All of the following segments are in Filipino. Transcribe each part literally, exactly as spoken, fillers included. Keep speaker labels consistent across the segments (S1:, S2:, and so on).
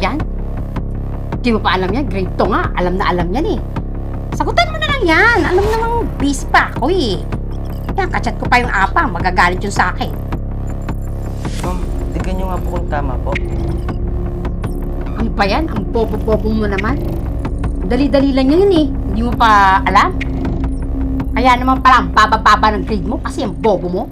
S1: yan? Di mo pa alam yan? Grade two nga. Alam na alam yan eh. Sagutan mo na lang yan. Alam namang busy pa ako eh. Yan, kachat ko pa yung apa. Magagalit yun sa akin.
S2: Ma'am, tignan nyo nga po kung tama po.
S1: Ano ba yan? Ang bobo-bobo mo naman. Dali-dali lang yan eh. Hindi mo pa alam? Kaya naman pala ang baba-baba ng grade mo kasi ang bobo mo.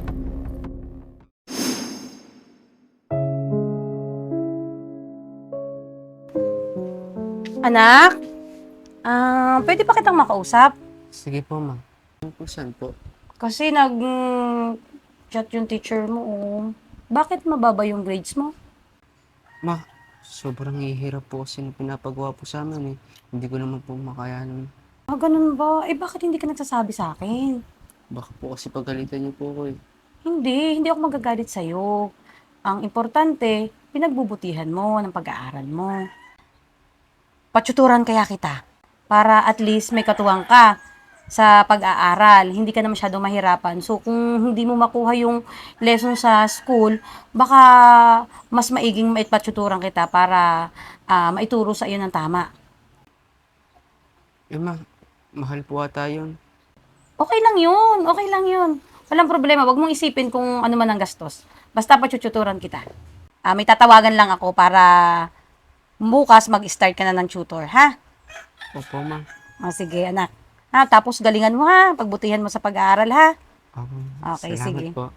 S3: Anak, ah, pwede pa kitang makausap?
S2: Sige po, ma'am. Ano po, saan po?
S3: Kasi nag-chat yung teacher mo, oh. Bakit mababa yung grades mo?
S2: Ma, sobrang hihirap po kasi na pinapagawa po sa amin eh. Hindi ko naman po makayanan.
S3: Ah, ganun ba? Eh, bakit hindi ka nagsasabi sa akin?
S2: Baka po kasi pagalitan niyo po ako eh.
S3: Hindi, hindi ako magagalit sa'yo. Ang importante, pinagbubutihan mo ng pag-aaral mo. Patsuturan kaya kita para at least may katuwang ka sa pag-aaral. Hindi ka na masyadong mahirapan. So, kung hindi mo makuha yung lesson sa school, baka mas maiging maipatsuturan kita para ah, maituro sa iyo ng tama.
S2: Eh ma, mahal po ata yun.
S3: Okay lang yun. Okay lang yun. Walang problema. Huwag mong isipin kung ano man ang gastos. Basta patsuturan kita. Ah, may tatawagan lang ako para bukas mag-start ka na ng tutor, ha?
S2: Opo, ma'am.
S3: O, sige, anak. Ha, tapos galingan mo, ha? Pagbutihan mo sa pag-aaral, ha?
S2: Opo.
S3: Okay,
S2: Salamat
S3: sige.
S2: po.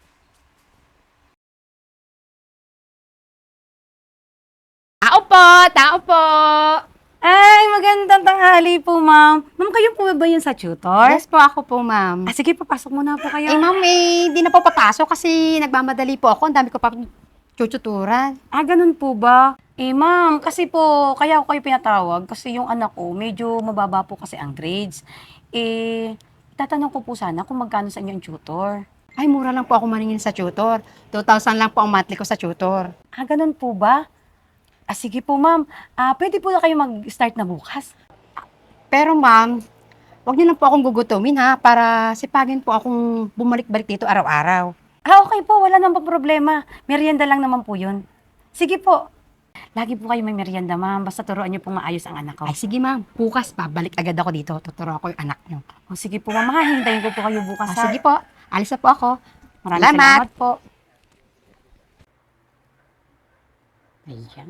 S1: Tao po! Tao po!
S3: Ay, magandang tanghali po, ma'am. Ma'am, kayo po ba yun sa tutor?
S1: Yes po, ako po, ma'am.
S3: Ah, sige, papasok muna po kayo.
S1: Eh, ma'am, eh, hindi na po papasok kasi nagmamadali po ako. Ang dami ko pa chuchuturan.
S3: Ah, ganun po ba? Eh, ma'am, kasi po, kaya ako kayo pinatawag kasi yung anak ko, medyo mababa po kasi ang grades. Eh, tatanong ko po sana kung magkano sa inyo ang tutor.
S1: Ay, mura lang po ako maningin sa tutor. two thousand lang po ang monthly ko sa tutor.
S3: Ah, ganun po ba? Ah, sige po, ma'am. Ah, pwede po na kayo mag-start na bukas.
S1: Pero ma'am, wag niyo lang po akong gugutumin ha, para sipagin po akong bumalik-balik dito araw-araw.
S3: Ah, okay po. Wala namang problema. Merienda lang naman po yun. Sige po. Lagi po kayo may merienda, ma'am. Basta turuan niyo pong maayos ang anak ko.
S1: Ay, sige ma'am, bukas babalik agad ako dito. Tuturo ako yung anak niyo.
S3: O, sige po, ma'am. Ha, hintayin ko po kayo bukas.
S1: Ah,
S3: ha?
S1: sige po, alis na po ako.
S3: Maraming
S1: Salamat.
S3: salamat po.
S1: Ayan.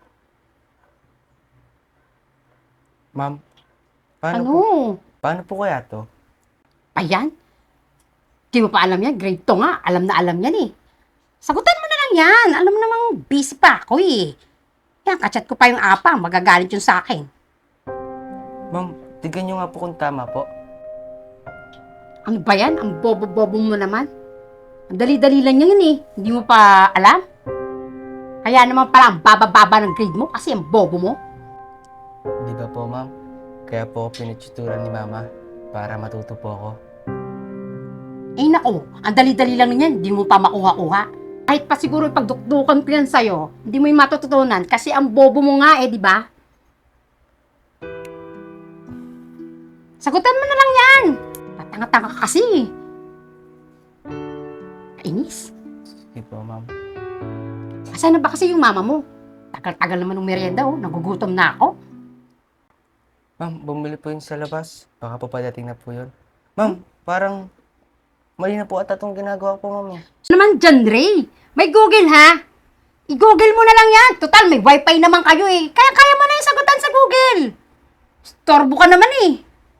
S2: Ma'am, paano
S1: Ano?
S2: po? Paano po kaya to?
S1: Ayan? Di mo pa alam yan? Grade two nga. Alam na alam yan eh. Sagutan mo na lang yan. Alam mo namang busy pa ako eh. Yan, kachat ko pa yung apa. Magagalit yun sa akin.
S2: Ma'am, tignan nyo nga po kung tama po.
S1: Ano ba yan? Ang bobo-bobo mo naman. Ang dali-dali lang yan eh. Hindi mo pa alam? Kaya naman pala ang baba-baba ng grade mo kasi ang bobo mo.
S2: Di ba po, ma'am? Kaya po ako pinituturan ni mama para matuto po ako.
S1: Eh nako, ang dali-dali lang yan. Hindi mo pa makuha-kuha. Kahit pa siguro ipagdukdukan ko yan sa'yo, hindi mo yung matututunan kasi ang bobo mo nga eh, di ba? Sagutan mo na lang yan. Patanga-tanga ka kasi. Kainis.
S2: Sige po, ma'am.
S1: Asan na ba kasi yung mama mo? Tagal-tagal naman ng merienda oh. Nagugutom na ako.
S2: Ma'am, bumili po yun sa labas. Baka po padating na po yun. Ma'am, parang mali na po ata itong ginagawa po, ma'am. eh.
S1: Ano naman dyan, Ray? May Google, ha? I-Google mo na lang yan. Total, may wifi naman kayo eh. Kaya-kaya mo na yung sagutan sa Google. Storbo ka naman eh.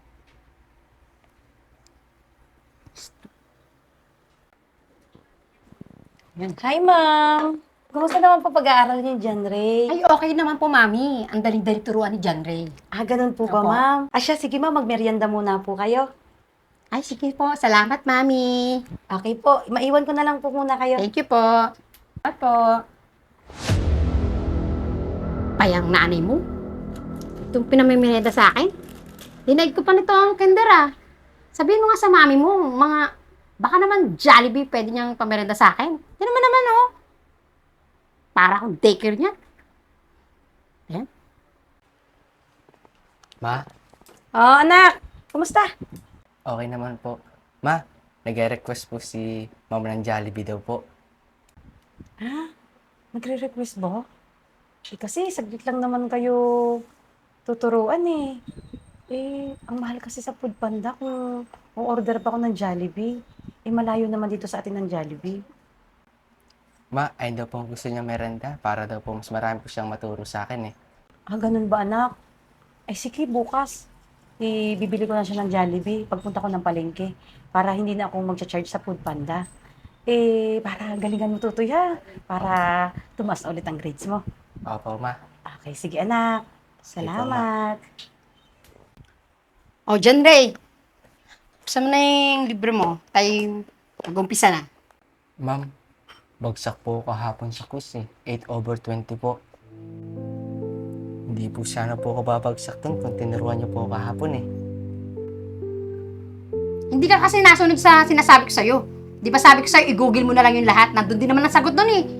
S3: Hi, ma'am. Kumusta naman po pag-aaral niyo dyan, Ray?
S1: Ay, okay naman po, Mami. Ang daling-dali turuan ni John Ray.
S3: Ah, ganun po ba,
S1: Opo.
S3: ma'am? Ah, siya, sige, ma'am. Magmerienda muna po kayo.
S1: Ay, sige po. Salamat, Mami.
S3: Okay po. Maiwan ko na lang po muna kayo.
S1: Thank you po. Salamat po. Payang nanay mo. Itong pinamimireda sa akin. Dinaig ko pa nito ang kinder, ah. Sabihin mo nga sa mami mo, mga, baka naman Jollibee pwede niyang pamerenda sa akin. Yan naman naman, oh. Para akong daycare niya. Ayan.
S2: Ma,
S3: Oh, anak. Kumusta?
S2: okay naman po. Ma, nag-request po si mama ng Jollibee daw po.
S3: Ah, nagre-request ba? Eh, kasi saglit lang naman kayo tuturuan eh. Eh, ang mahal kasi sa Foodpanda kung o-order pa ako ng Jollibee. Eh, malayo naman dito sa atin ng Jollibee.
S2: Ma, ayun daw po ang gusto niya merenda para daw po mas marami po siyang maturo sa akin eh.
S3: Ah, ganun ba anak? Ay sige, bukas. Ibibili ko na siya ng Jollibee pagpunta ko ng palengke para hindi na ako magcha-charge sa Foodpanda. Eh, para galingan mo tutoy ha. Para tumaas na ulit ang grades mo.
S2: Opo, ma.
S3: Okay, sige anak.
S2: Sige po, ma.
S3: Salamat.
S1: O, John Ray, buksan mo na yung libro mo. Tayo mag-umpisa na.
S2: Ma'am, bagsak po kahapon sa quiz eh. eight over twenty po. Hindi po sana po ako babagsak dun kung tinuruan niyo po ako kahapon eh.
S1: Hindi ka kasi nasunod sa sinasabi ko sa'yo. Di ba sabi ko sa'yo, i-google mo na lang yung lahat. Nandun din naman ang sagot doon eh.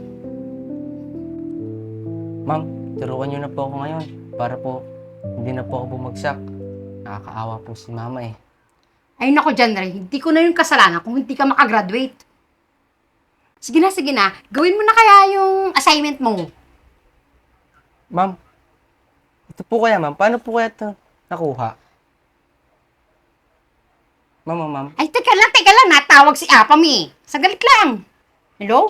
S2: Ma'am, turuan niyo na po ako ngayon para po hindi na po ako bumagsak. Nakakaawa po si mama eh.
S1: Ay nako, John Ray, hindi ko na yung kasalanan kung hindi ka makagraduate. Sige na, sige na. Gawin mo na kaya yung assignment mo.
S2: Ma'am, ito po kaya ma'am, paano po kaya ito nakuha? Ma'am, ma'am, ma'am.
S1: Ay, teka lang, teka lang. Natawag si Apam eh. Sagalit lang. Hello?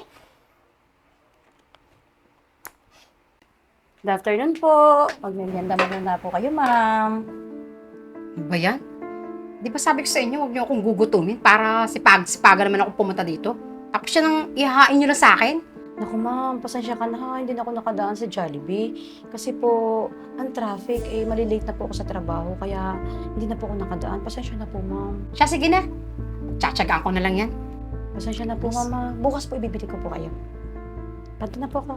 S3: Good afternoon po. Magmerienda muna na po kayo, ma'am.
S1: Ano ba yan? Di ba sabi ko sa inyo, huwag niyo akong gugutumin para sipag-sipaga naman ako pumunta dito. Tapos siya nang ihahain niyo na sa akin.
S3: Naku ma'am, pasensya ka na ha. Hindi na ako nakadaan sa Jollibee. Kasi po, ang traffic, eh, malilate na po ako sa trabaho. Kaya hindi na po ako nakadaan. Pasensya na po, ma'am.
S1: Siya, sige na. Tsatsagaan ko na lang yan.
S3: Pasensya na po,
S1: Yes.
S3: mama. Bukas po ibibili ko po kayo. Panto na po ako.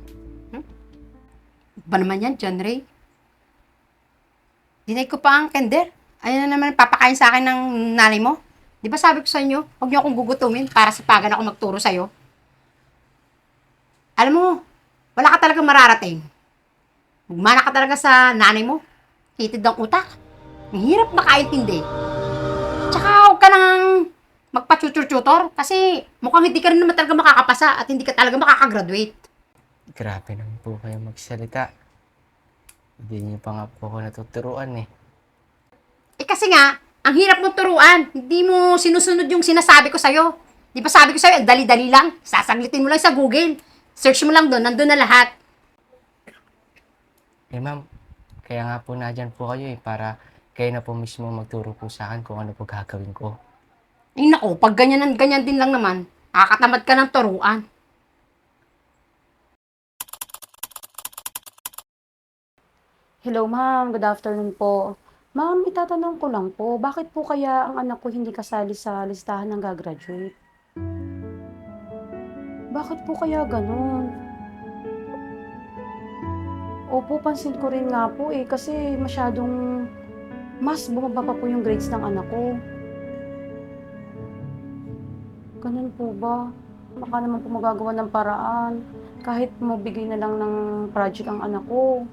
S1: Ba naman yan, John Ray? Dinay ko pa ang kender. Ayun na naman papakain sa akin ng nanay mo. Di ba sabi ko sa inyo, huwag niyo akong gugutumin para sipagan ako magturo sa'yo. Alam mo, wala ka talaga mararating. Magmana ka talaga sa nanay mo. Hitid ang utak. Ang hirap makaintindi. Tsaka huwag ka nang magpa-tutor kasi mukhang hindi ka rin naman talaga makakapasa at hindi ka talaga makakagraduate.
S2: Grabe naman po kayo magsalita. Hindi niyo pa nga po ako natuturuan eh.
S1: Eh kasi nga, ang hirap mo turuan. Hindi mo sinusunod yung sinasabi ko sa'yo. Di ba sabi ko sa'yo, ang dali-dali lang. Sasaglitin mo lang sa Google. Search mo lang doon, nandun na lahat.
S2: Eh ma'am, kaya nga po nadyan po kayo eh, para kayo na po mismo magturo po sa akin kung ano po gagawin ko.
S1: Ay nako, pag ganyan, ganyan din lang naman, nakakatamad ka ng turuan.
S3: Hello, ma'am. Good afternoon po. Ma'am, itatanong ko lang po, bakit po kaya ang anak ko hindi kasali sa listahan ng gagraduate? Bakit po kaya ganun? Opo, pansin ko rin nga po eh, kasi masyadong mas bumaba pa po yung grades ng anak ko. Ganun po ba? Baka naman po magagawa ng paraan. Kahit mabigay na lang ng project ang anak ko.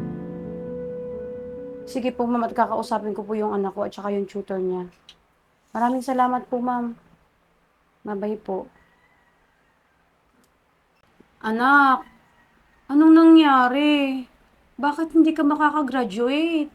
S3: Sige po, ma'am, at kakausapin ko po yung anak ko at saka yung tutor niya. Maraming salamat po, ma'am. Mabay po. Anak, anong nangyari? Bakit hindi ka makakagraduate?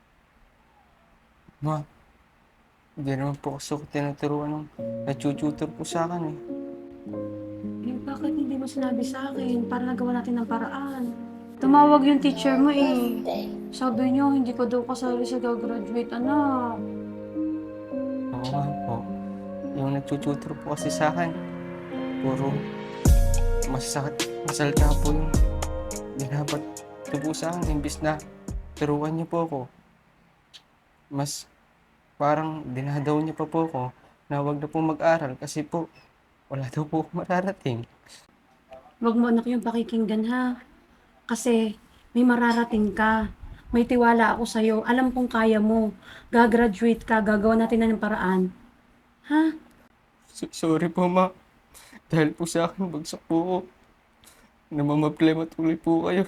S2: Ma, hindi naman po kasi ako tinuturuan ng natututor po sa akin eh.
S3: Eh, bakit hindi mo sinabi sa akin para nagawa natin ng paraan? Tumawag yung teacher mo eh. Sabi niyo, hindi ka daw kasali sa gagraduate, anak.
S2: Oo nga po. Yung nagtututor po kasi sa akin, puro masasakit, masalita po yung binabat niyo po sa akin. Imbis na turuan niyo po ako, mas parang dinadaw niyo pa po ako na wag na po mag-aral kasi po wala daw po ako mararating.
S3: Huwag mo anak yung pakikinggan ha. Kasi may mararating ka. May tiwala ako sa'yo. Alam kong kaya mo. Gagraduate ka. Gagawa natin na ng paraan. Ha?
S2: So- sorry po ma. Dahil po sa akin, bagsak po ako. Namamablema tuloy po kayo.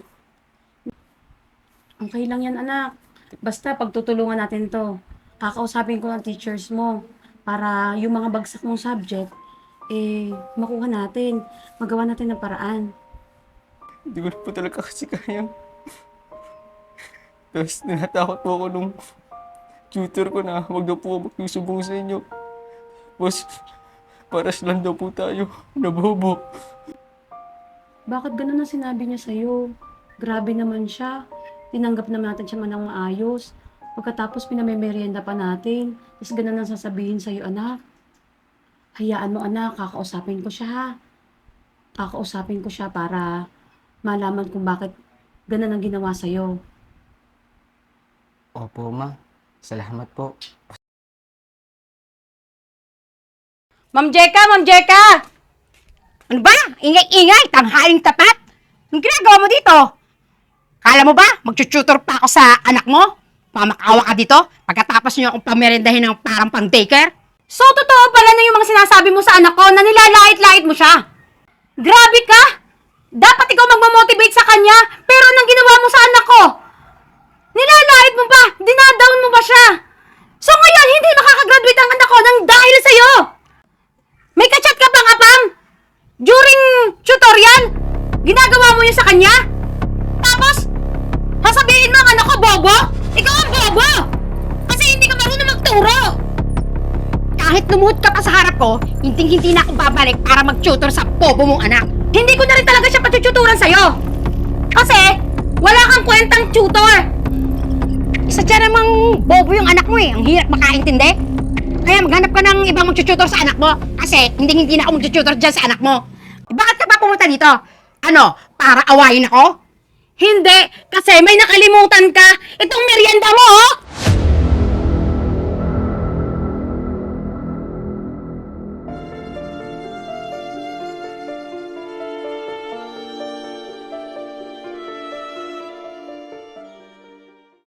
S3: Okay lang yan anak. Basta pagtutulungan natin to. Kakausapin ko ang teachers mo. Para yung mga bagsak mong subject, eh, makuha natin. Magawa natin ng paraan.
S2: Hindi ko na po talaga kasi kaya. Tapos ninatakot po ako nung tutor ko na wag daw po ako magsusumbong sa inyo. Tapos, paras lang daw po tayo, nabobo.
S3: Bakit ganun ang sinabi niya sa'yo? Grabe naman siya. Tinanggap naman natin siya man ng maayos. Pagkatapos pinamemerienda pa natin. Tapos ganun ang sasabihin sa'yo, anak. Hayaan mo, anak. Kakausapin ko siya, ha? Kakausapin ko siya para malaman kung bakit ganun ang ginawa sa'yo.
S2: Opo, ma. Salamat po.
S3: Ma'am Jeka! Ma'am Jeka!
S1: Ano ba? Ingay-ingay, tanghaling tapat. Anong ginagawa mo dito? Kala mo ba, magtututor pa ako sa anak mo? Pamakawa ka dito? Pagkatapos niyo akong pamerendahin ng parang pang daycare?
S3: So, totoo pala na yung mga sinasabi mo sa anak ko na nilalait-lait mo siya. Grabe ka! Dapat ikaw magmamotivate sa kanya, pero anong ginawa mo sa anak ko? Nilalait mo ba? Dinadown mo ba siya? So ngayon, hindi makakagraduate ang anak ko nang dahil sa'yo! May kachat ka bang apam? During tutorial? Ginagawa mo yun sa kanya? Tapos, sasabihin mo ang anak ko bobo? Ikaw ang bobo! Kasi hindi ka marunong magturo!
S1: Kahit lumuhod ka pa sa harap ko, hindi-hindi na ako babalik para mag-tutor sa bobo mong anak.
S3: Hindi ko na rin talaga siya patututuran sa'yo. Kasi, wala kang kwentang tutor.
S1: Isa dyan namang bobo yung anak mo eh. Ang hirap makaintindi. Kaya maghanap ka ng ibang mag-tutor sa anak mo. Kasi hindi-hindi na ako mag-tutor dyan sa anak mo. Eh, bakit ka pa pumunta dito? Ano? Para awayin ako?
S3: Hindi, kasi may nakalimutan ka. Itong merienda mo, oh!